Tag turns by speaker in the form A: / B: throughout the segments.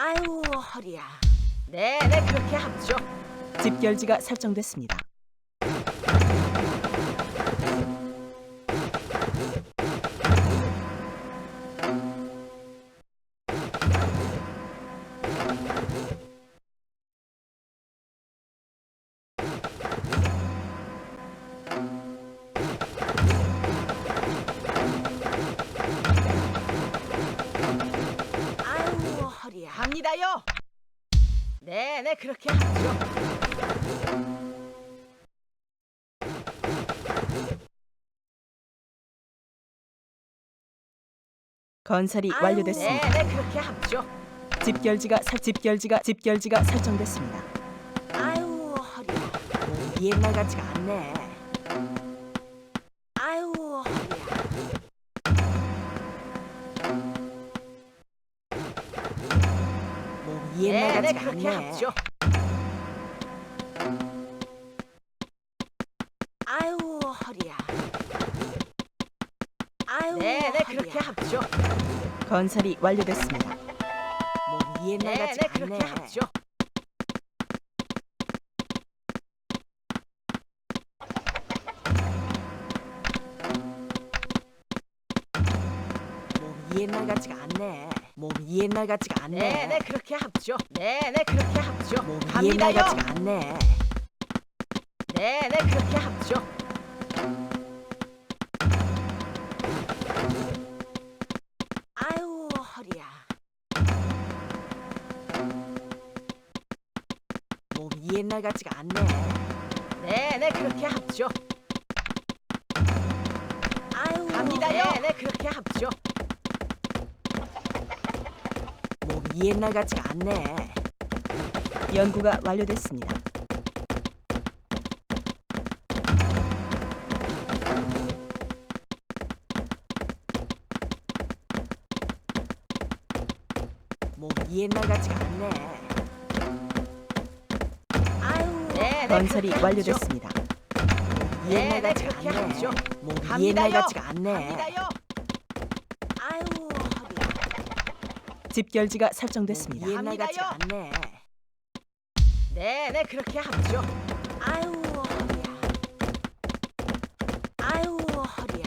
A: 아유 허리야. 네네 그렇게 합죠.
B: 집결지가 설정됐습니다.
A: 아유 허리야. 갑니다요. 네네 그렇게 합죠.
B: 건설이
A: 아유,
B: 완료됐습니다.
A: 네네 그렇게 합죠.
B: 집결지가 설정됐습니다.
A: 아유 허리야. 몸이 옛날 같지가 않네. 아유 허리야. 몸이 옛날 네네 같지가 그렇게 않네. 합죠. 아유 허리야. 아유 네네 허리야. 그렇게 합죠.
B: 건설이 완료됐습니다.
A: 몸이 옛날 네네 같지가 그렇게 않네. 합죠. 몸이 옛날 같지가 않네. 몸이 옛날 같지가 않네. 네네 그렇게 합죠. 네네 그렇게 합죠. 몸이 옛날 갑니다요. 같지가 않네. 네네 그렇게 합죠. 아유 허리야. 몸이 옛날 같지가 않네. 네네 그렇게 합죠. 아유 갑니다요. 네네 그렇게 합죠. 몸이 옛날 같지가 않네.
B: 연구가 완료됐습니다.
A: 몸이 옛날 같지가 않네. 아유 네네
B: 건설이
A: 그렇게 합죠.
B: 완료됐습니다.
A: 몸이 옛날 네네 같지가 그렇게 않네. 합죠. 몸이 옛날 같지가 않네. 갑니다요. 아유 허리야.
B: 집결지가 설정됐습니다.
A: 몸이 옛날 같지가 않네. 네네 그렇게 합죠. 아유 허리야. 아유 허리야.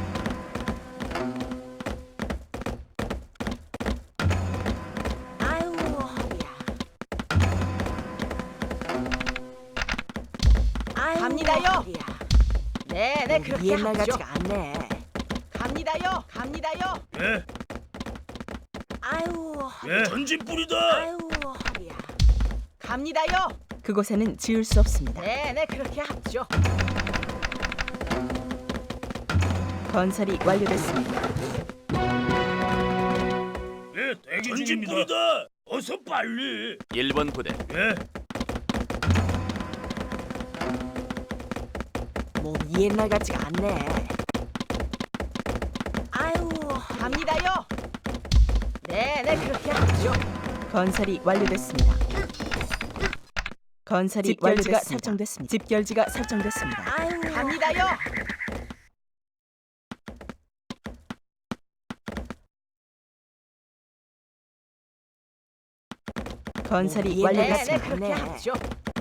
A: 아유 허리야. 아유
C: 갑니다요.
A: 허리야. 네네
C: 몸이
A: 그렇게
C: 옛날
A: 합죠.
C: 같지가 않네.
A: 갑니다요. 갑니다요.
D: 예,
A: 아유 허리야.
D: 예, 전진 뿌리다.
A: 아유 허리야. 갑니다요.
B: 그곳에는 지을 수 없습니다.
A: 네네 그렇게 합죠.
B: 건설이 완료됐습니다.
D: 예, 대기 전진 중입니다. 뿌리다. 어서 빨리.
E: 1번 부대
D: 예,
A: 몸이 옛날 같지가 않네. 아유 갑니다요. 네네 그렇게 합죠.
B: 건설이 완료됐습니다. 건설이
A: 집결지가
B: 완료가 설정됐습니다. 집결지가 설정됐습니다.
A: 아유 갑니다요.
B: 건설이
A: 네네
B: 완료됐습니다.
A: 그렇게 합죠.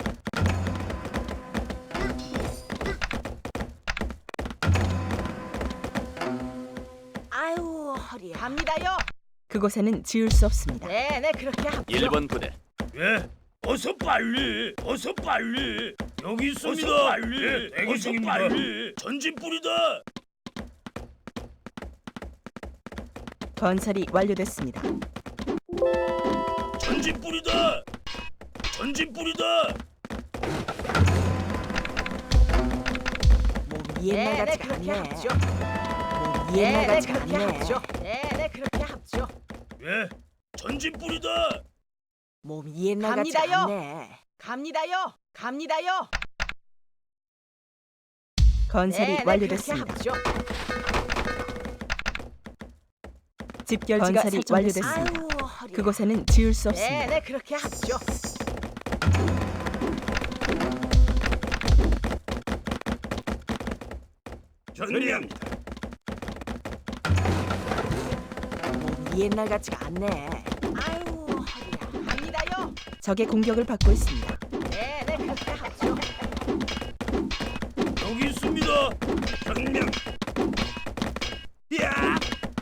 A: 아유 허리야. 갑니다요.
B: 그곳에는 지을 수 없습니다.
A: 네네 그렇게 합죠.
E: 1번 부대
D: 예. 어서 빨리. 어서 빨리. 여기 있습니다. 어서 빨리. 예, 대기 중입니다. 빨리. 전진 뿌리다.
B: 건설이 완료됐습니다.
D: 전진 뿌리다. 전진 뿌리다.
A: 몸이 옛날 네네 같지가 그렇게 않네. 합죠. 몸이 옛날 네네 같지가 그렇게 않네. 합죠. 네네 그렇게 합죠.
D: 예, 전진 뿌리다.
A: 몸이 옛날 같지가
C: 갑니다요.
A: 않네.
C: 갑니다요. 갑니다요.
B: 건설이
A: 네네
B: 완료됐습니다.
A: 그렇게 합죠.
B: 집결지가
A: 건설이
B: 완료됐습니다.
A: 아유 허리야.
B: 그곳에는 지을 수 없습니다.
A: 네네 그렇게 합죠.
D: 전리합니다.
A: 몸이 옛날 같지가 않네. 아유 허리야.
B: 적의 공격을 받고 있습니다.
A: 네, 그렇게 하죠.
D: 여기 있습니다. 전명. 야!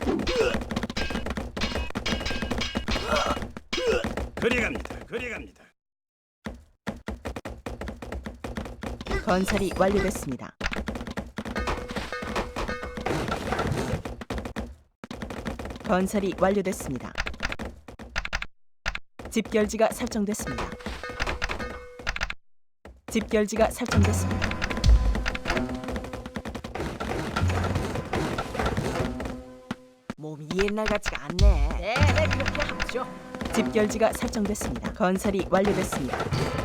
D: 그리갑니다. 그리갑니다.
B: 건설이 완료됐습니다. 건설이 완료됐습니다. 집결지가 설정됐습니다. 집결지가 설정됐습니다.
A: 몸이 옛날 같지가 않네. 네, 그렇게 하죠.
B: 집결지가 설정됐습니다. 건설이 완료됐습니다.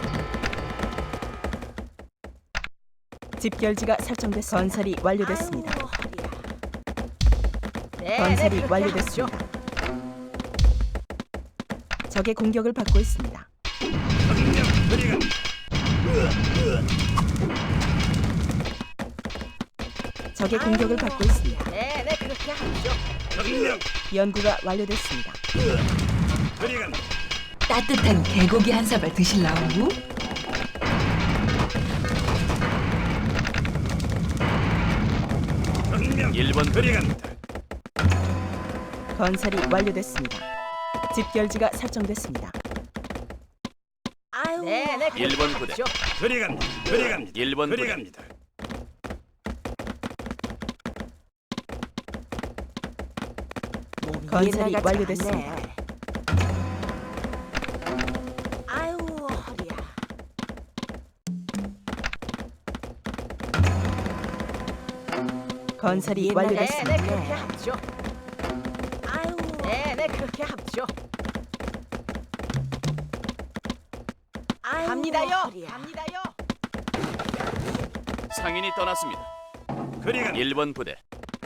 B: 집결지가 설정됐습니다. 건설이 완료됐습니다.
A: 아유, 허리야. 네,
B: 건설이
A: 그렇게
B: 완료됐습니다.
A: 하죠.
B: 적의 공격을 받고 있습니다.
D: 전명. 그리갑니다.
B: 적의
A: 아유,
B: 공격을 받고 있습니다.
A: 네, 그렇게 하죠.
D: 전명.
B: 연구가 완료됐습니다.
D: 그리갑니다.
E: 따뜻한 개고기 한 사발 드실라우?
D: 전명. 1번 그리갑니다.
B: 건설이 완료됐습니다. 집결지가 설정됐습니다.
A: 아유, 네, 그렇게
F: 일본 부대.
A: 하죠.
D: 그리갑니다. 그리갑니다.
F: 1번 부대.
D: 그리갑니다.
A: 몸이
B: 건설이
A: 옛날 같지가
B: 완료됐습니다.
A: 않네. 아유, 허리야.
B: 건설이
A: 옛날
B: 완료됐습니다.
A: 네, 그렇게 하죠. 아유, 네, 그렇게 하죠. 아유,
C: 갑니다요.
A: 허리야.
C: 갑니다요.
F: 상인이 떠났습니다.
D: 그리갑니다.
F: 1번 부대.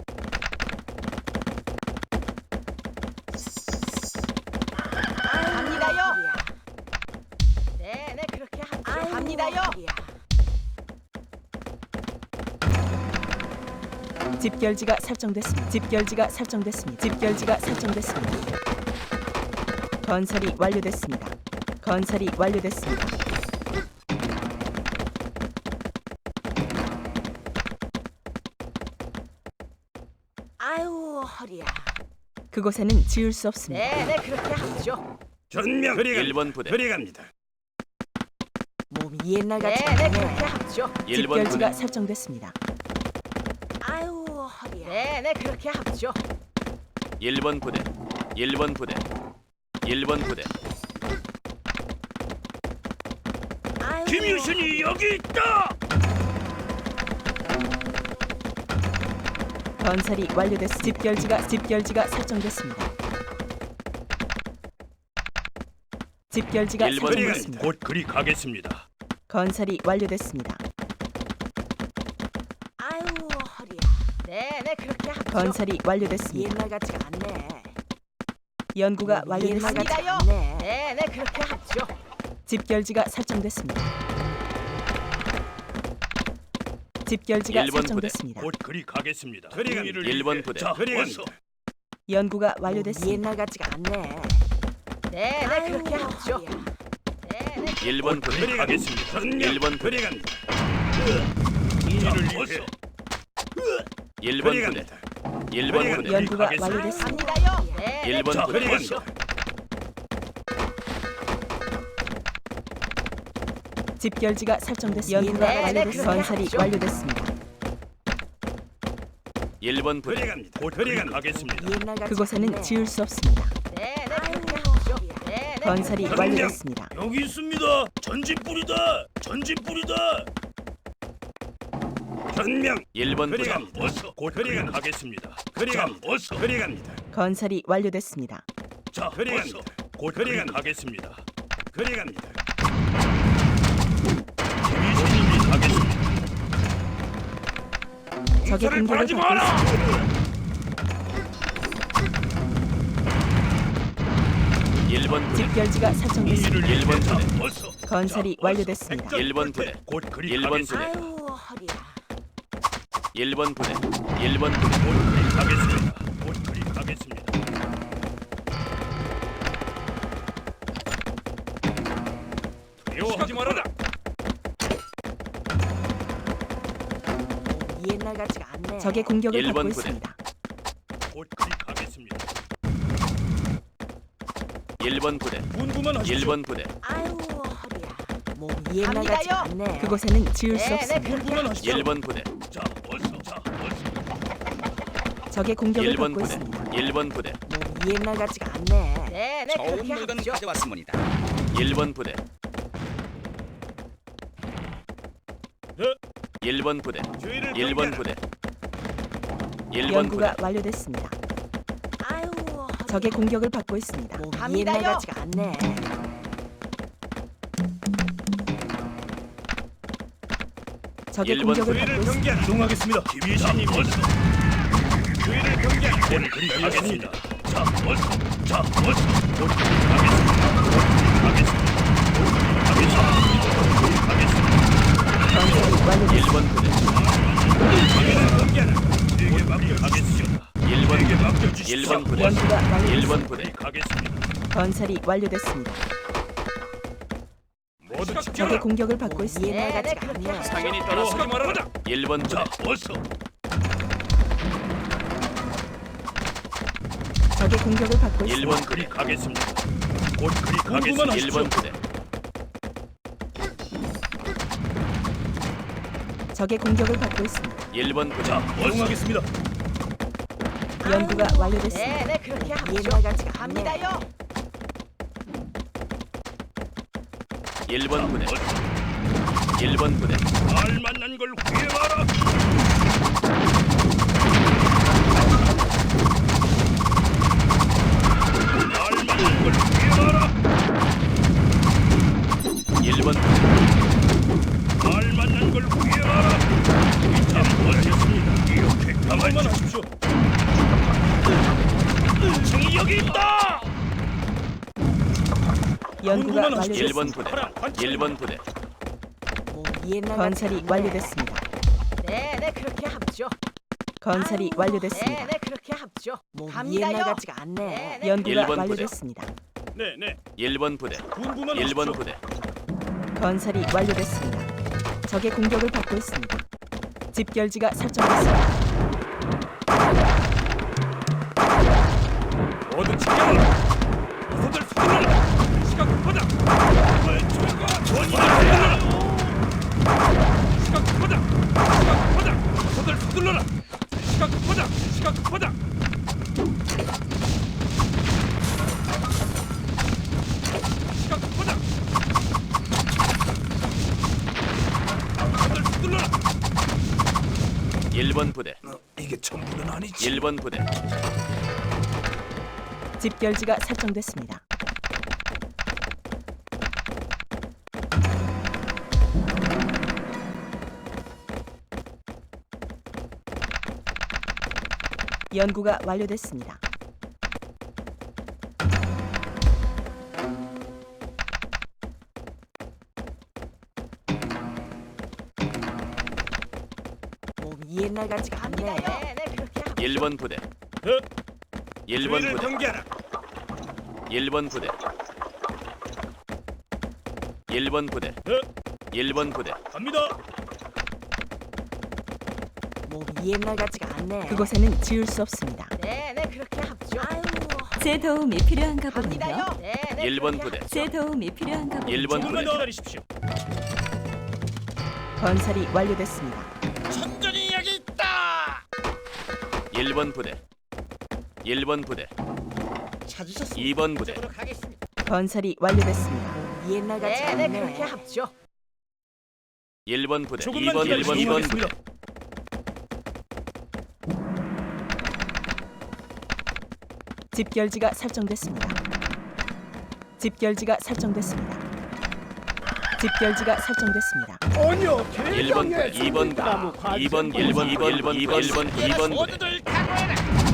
C: 갑니다요.
A: 허리야. 네, 그렇게 하죠.
C: 아유, 갑니다요.
A: 허리야.
B: 집결지가 설정됐습니다. 집결지가 설정됐습니다. 집결지가 설정됐습니다. 건설이 완료됐습니다. 건설이 완료됐습니다.
A: 아유, 허리야.
B: 그곳에는 지을 수 없습니다.
A: 네, 그렇게 하죠.
D: 전명. 그리갑니다.
F: 1번 부대.
D: 그리갑니다.
A: 몸이 옛날 같지
C: 네,
A: 않네.
C: 그렇게 하죠.
F: 1번
B: 집결지가
F: 부대.
B: 설정됐습니다.
A: 아유, 허리야.
C: 네, 그렇게 하죠.
F: 1번 부대. 1번 부대. 1번 부대.
A: 아유,
D: 김유신이 여기 있다.
B: 건설이 완료됐습니다. 집결지가 설정됐습니다. 집결지가
F: 1번
B: 설정됐습니다.
D: 곧 그리 가겠습니다.
B: 건설이 완료됐습니다.
A: 아유, 허리야. 네, 그렇게 하죠.
B: 건설이 완료됐습니다.
A: 옛날 같지가 않네.
B: 연구가
A: 몸이 옛날
B: 완료됐습니다.
A: 같지
C: 갑니다요.
A: 않네. 네, 그렇게 하죠.
B: 집결지가 설정됐습니다. 집결지가
F: 1번 부대.
B: 설정됐습니다.
D: 곧 그리 가겠습니다. 그리갑니다.
F: 1번 부대.
D: 자, 그리갑니다.
B: 연구가
A: 몸이
B: 완료됐습니다.
A: 옛날 같지가 않네. 네,
C: 아유,
A: 그렇게 하죠.
C: 허리야.
A: 네,
F: 1번
D: 그리
F: 부대.
D: 가겠습니다. 전명.
F: 1번 부대.
D: 그리갑니다.
F: 이를
D: 자, 어서.
F: 1번 부대.
D: 그리갑니다.
F: 1번 부대.
B: 연구가
D: 가겠습니다.
B: 완료됐습니다.
C: 갑니다요.
A: 네,
F: 1번
D: 자,
F: 부대.
D: 그리갑니다.
B: 집결지가 설정됐습니다. 연구가
A: 네,
B: 완료됐습니다.
A: 그렇게
B: 건설이
A: 하죠.
B: 완료됐습니다.
F: 1번 부대.
D: 그리갑니다. 곧 그리 가겠습니다.
A: 옛날 같지
B: 그곳에는
A: 않네.
B: 지을 수 없습니다.
A: 네, 그렇게 하죠. 네,
B: 건설이
D: 전명.
B: 완료됐습니다.
D: 여기 있습니다. 전진 뿌리다. 전진 뿌리다. 전명.
F: 1번 부대.
D: 그리갑니다. 어서 곧 그리 가겠습니다. 그리갑니다. 어서 그리갑니다.
B: 건설이 완료됐습니다.
D: 자, 그리갑니다. 곧 그리 가겠습니다. 그리갑니다. 김유신님이 가겠습니다.
B: 적의
D: 공사를
B: 공격을
D: 바라지
B: 받고
D: 마라.
B: 있습니다.
F: 1번 부대.
B: 집결지가 설정됐습니다.
F: 1번
D: 자,
F: 부대.
D: 어서.
B: 건설이
D: 자, 어서.
B: 완료됐습니다.
D: 백전
F: 1번 부대.
D: 곧 그리
F: 1번
D: 가겠습니다.
F: 부대.
A: 아유, 허리야.
F: 1번 부대. 1번 부대.
D: 곧 그리 가겠습니다. 곧 그리 가겠습니다.
A: 옛날 같지가 않네.
B: 적의 공격을 받고
F: 1번 부대.
B: 있습니다.
D: 곧 가겠습니다.
F: 1번 부대.
D: 분부만 하십시오.
F: 1번 부대.
A: 아유 허리야. 몸 옛날
C: 갑니다요.
A: 같지가 않네.
B: 그곳에는 지을 수
C: 네, 네,
B: 없습니다.
D: 분부만 하십시오.
F: 1번 부대.
D: 자, 어서.
B: 적의 공격을
F: 1번
B: 받고
F: 부대.
B: 있습니다.
F: 1번 부대.
A: 몸 옛날 같지가 않네.
C: 네, 네,
G: 좋은
C: 그렇게
G: 물건
C: 합죠.
G: 가져왔습니다.
F: 1번 부대.
D: 네.
F: 1번 부대.
D: 주의를
F: 1번 부대. 1번
B: 연구가
F: 부대.
B: 완료됐습니다.
A: 아유 허리야.
B: 적의 공격을 받고 있습니다.
A: 몸
C: 갑니다요.
A: 옛날 같지가 않네.
B: 적의
F: 1번
B: 공격을
D: 주의를
B: 받고 있습니다.
D: 경계하라. 이동하겠습니다. 김희진님 어서. 주의를 경계하라. 곧 가겠습니다. 자, 어서. 곧 가겠습니다.
B: 건설이 완료됐습니다.
F: 1번 부대.
D: 주의를 경계하라. 제게 맡겨주십시오.
F: 1번 부대.
D: 맡겨주십시오.
F: 1번 부대.
B: 연구가 완료됐습니다.
F: 1번 부대.
D: 가겠습니다.
B: 건설이 완료됐습니다.
D: 모두
B: 적의
D: 지켜라.
B: 공격을 받고 있습니다.
A: 옛날
C: 네, 네,
A: 같지가
C: 그렇게
A: 않네.
C: 합죠.
F: 상인이
D: 하지
F: 떠났습니다.
D: 말아라.
F: 1번 부대.
D: 자, 어서.
B: 적의 공격을 받고 있습니다.
F: 1번 부대.
D: 가겠습니다. 곧 가겠습니다.
F: 1번 부대.
B: 적의 공격을 받고 있습니다.
F: 1번 부대.
D: 자, 이동하겠습니다.
B: 연구가 완료됐습니다.
C: 네, 네, 그렇게 합죠.
A: 옛날 같지가 않네.
C: 갑니다요.
F: 1번 부대. 1번 부대.
D: 날 만난 걸 후회마라. 날 만난 걸 후회마라.
F: 1번 부대.
D: 날 만난 걸 후회마라. 자, 어쨌습니다. 이렇게 가만히 하십시오. 정이 여기 있다.
B: 연구가
D: 분부만 하십시오.
B: 완료됐습니다.
F: 1번 부대. 1번 부대.
A: 몸 옛날
B: 건설이
A: 같지가 않네.
B: 완료됐습니다.
C: 네, 네, 그렇게 합죠.
B: 건설이
C: 네,
B: 완료됐습니다.
C: 네, 그렇게 합죠.
A: 몸
C: 갑니다요.
A: 옛날 같지가 않네.
C: 네, 네.
B: 연구가
F: 1번 부대.
B: 완료됐습니다.
D: 네, 네.
F: 1번 부대.
D: 분부만
F: 1번
D: 하십시오.
F: 부대.
B: 건설이 완료됐습니다. 적의 공격을 받고 있습니다. 집결지가 설정됐습니다.
D: 모두 지켜라. 이서들 서둘러라. 시간 급하다. 왼쪽과 전이들 서둘러라. 시간 급하다. 시간 급하다. 이서들 서둘러라. 시간 급하다. 시간 급하다. 시간 급하다. 이서들 서둘러라.
F: 1번 부대.
D: 이게 전부는 아니지.
F: 1번 부대.
B: 집결지가 설정됐습니다. 연구가 완료됐습니다.
A: 몸 옛날 같지가 않네.
C: 네, 네, 그렇게 합죠.
F: 1번 부대.
D: 네.
F: 1번
D: 주의를
F: 부대.
D: 경계하라.
F: 1번 부대. 1번 부대.
D: 네.
F: 1번 부대.
D: 갑니다.
A: 몸 옛날 같지가 않네.
B: 그곳에는 지을 수 없습니다.
C: 네, 네, 그렇게 합죠.
A: 아유
H: 제 도움이 필요한가
C: 갑니다요.
H: 보군요.
C: 네, 네,
F: 1번
C: 그렇게
F: 부대.
C: 합죠.
H: 제 도움이 필요한가 보군요.
F: 1번
D: 조금만
F: 부대.
D: 기다리십시오.
B: 건설이 완료됐습니다.
D: 천전이 여기 있다.
F: 1번 부대. 1번 부대.
G: 찾으셨습니다.
F: 2번 부대.
C: 으로 가겠습니다.
B: 건설이 완료됐습니다.
A: 몸 옛날 같지가
C: 네, 네,
A: 않네.
C: 그렇게 합죠.
F: 1번 부대.
D: 조금만
F: 2번
D: 기다리십시오.
F: 1번 2번 부대.
D: 이동하겠습니다.
B: 집결지가 설정됐습니다. 집결지가 설정됐습니다. 집결지가 설정됐습니다.
F: 1번 부대. 2번 부대. 2번 1번 2번 1번 2번 2번 부대.
D: 모두들 각오해라.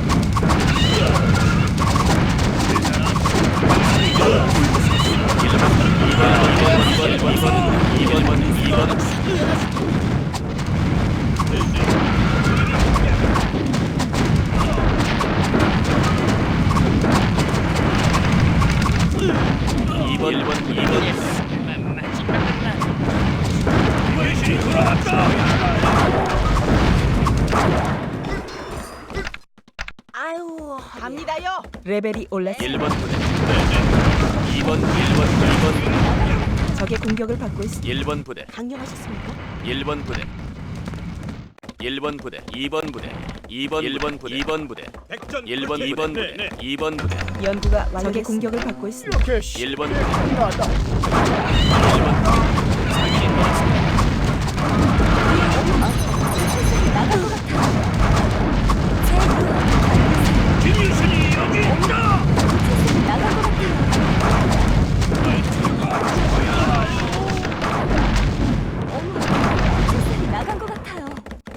F: 2번 2번
D: 외신이 돌아왔다.
A: 아유, 갑니다요.
B: 레벨이 올랐습니다.
F: 1번 부대 2번 1번
B: 적의 공격을 받고 있습니다.
F: 1번 부대
A: 강령하셨습니까?
F: 1번 부대 1번 부대 2번 부대 1번 부대 2번 부대
D: 백전
F: 1번
D: 불태.
F: 2번
D: 네,
F: 부대
D: 네.
F: 2번 부대
B: 연구가 완료됐습니다. 적의 공격을 받고 있습니다.
F: 1번 부대 1번 부대 사기를 받았습니다.
D: 김유순이 여기 있다.
H: 나간 것 같아요.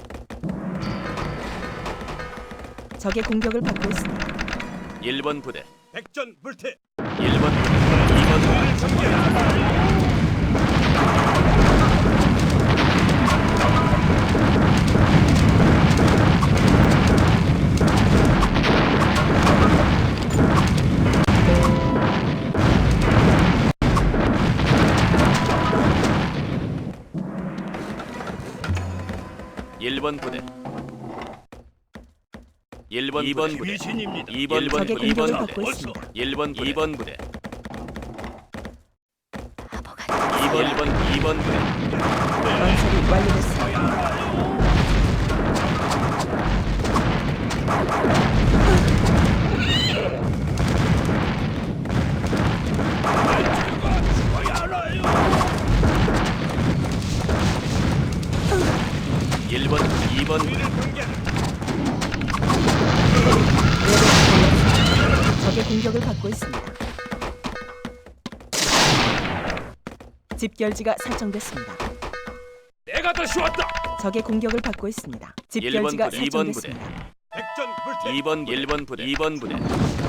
B: 적의 공격을 받고 있습니다.
F: 1번 부대
D: 백전 불태.
F: 1번 부대 2번 부대 일번 부대 1번 2번 부대
D: 귀신입니다.
F: 2번
B: 적의
F: 부대 2번
B: 공격을
F: 부대
B: 받고 있습니다.
F: 1번 2번 부대 2번 부대
B: 건설이 완료됐습니다.
F: 일번 2번 부대
B: 적의 공격을 받고 있습니다. 집결지가 설정됐습니다.
D: 내가 다시 왔다.
B: 적의 공격을 받고 있습니다.
F: 일번
B: 집결지가
F: 부대, 이번 부대.
B: 설정됐습니다.
D: 백전 불태.
F: 2번 1번 부대 2번 부대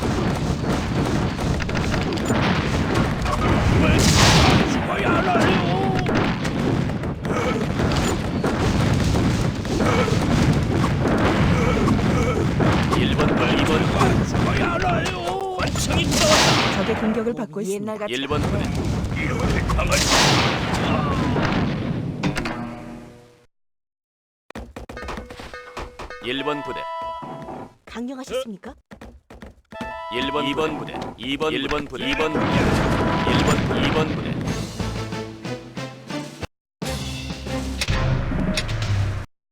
D: 죽어야 알아요.
F: 1번 2번
D: 죽어야 알아요. 관청이 떠왔다.
B: 적의 공격을 받고 있습니다.
A: 옛날 같지
F: 1번 부대
A: 않네.
D: 이렇게 강한.
F: 일번 부대
A: 강령하셨습니까?
F: 1번 2번 부대 2번 1번 부대 2번 부대 1번 2번 부대